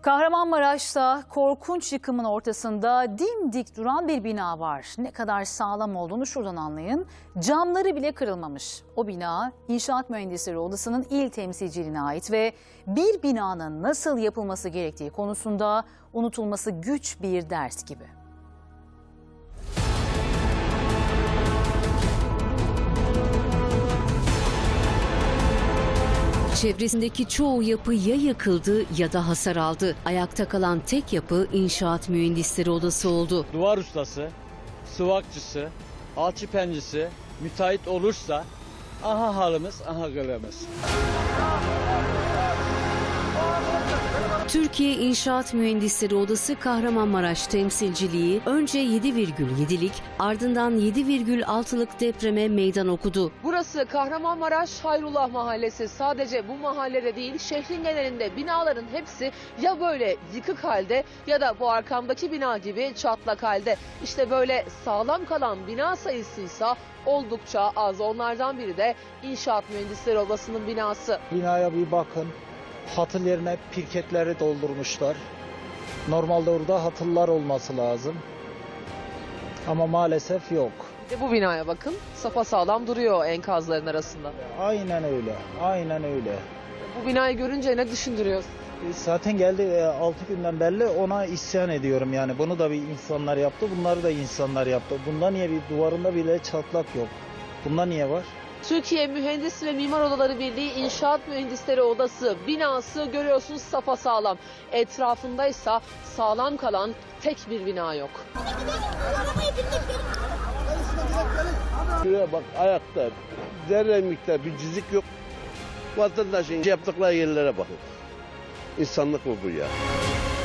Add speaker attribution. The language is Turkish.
Speaker 1: Kahramanmaraş'ta korkunç yıkımın ortasında dimdik duran bir bina var. Ne kadar sağlam olduğunu şuradan anlayın. Camları bile kırılmamış. O bina İnşaat Mühendisleri Odası'nın il temsilciliğine ait ve bir binanın nasıl yapılması gerektiği konusunda unutulması güç bir ders gibi.
Speaker 2: Çevresindeki çoğu yapı ya yıkıldı ya da hasar aldı. Ayakta kalan tek yapı İnşaat Mühendisleri Odası oldu.
Speaker 3: Duvar ustası, sıvakçısı, alçıpencisi, müteahhit olursa aha halimiz, aha gölemiz.
Speaker 2: Türkiye İnşaat Mühendisleri Odası Kahramanmaraş temsilciliği önce 7,7'lik ardından 7,6'lık depreme meydan okudu.
Speaker 4: Burası Kahramanmaraş Hayrullah Mahallesi. Sadece bu mahallede değil, şehrin genelinde binaların hepsi ya böyle yıkık halde ya da bu arkamdaki bina gibi çatlak halde. İşte böyle sağlam kalan bina sayısıysa oldukça az. Onlardan biri de İnşaat Mühendisleri Odası'nın binası.
Speaker 5: Binaya bir bakın. Hatıl yerine pirketleri doldurmuşlar. Normalde orada hatıllar olması lazım. Ama maalesef yok.
Speaker 4: Bir de bu binaya bakın. Sapasağlam duruyor enkazların arasında.
Speaker 5: Aynen öyle. Aynen öyle.
Speaker 4: Bu binayı görünce ne düşündürüyorsun?
Speaker 5: Zaten geldi 6 günden belli ona isyan ediyorum yani. Bunu da bir insanlar yaptı, bunları da insanlar yaptı. Bunda niye bir duvarında bile çatlak yok? Bunda niye var?
Speaker 4: Türkiye Mühendis ve Mimar Odaları Birliği İnşaat Mühendisleri Odası binası görüyorsunuz sapasağlam. Etrafındaysa sağlam kalan tek bir bina yok.
Speaker 6: Şuraya bak ayakta zerre miktar bir cizik yok. Vatandaşın yaptıkları yerlere bakın. İnsanlık mı bu ya?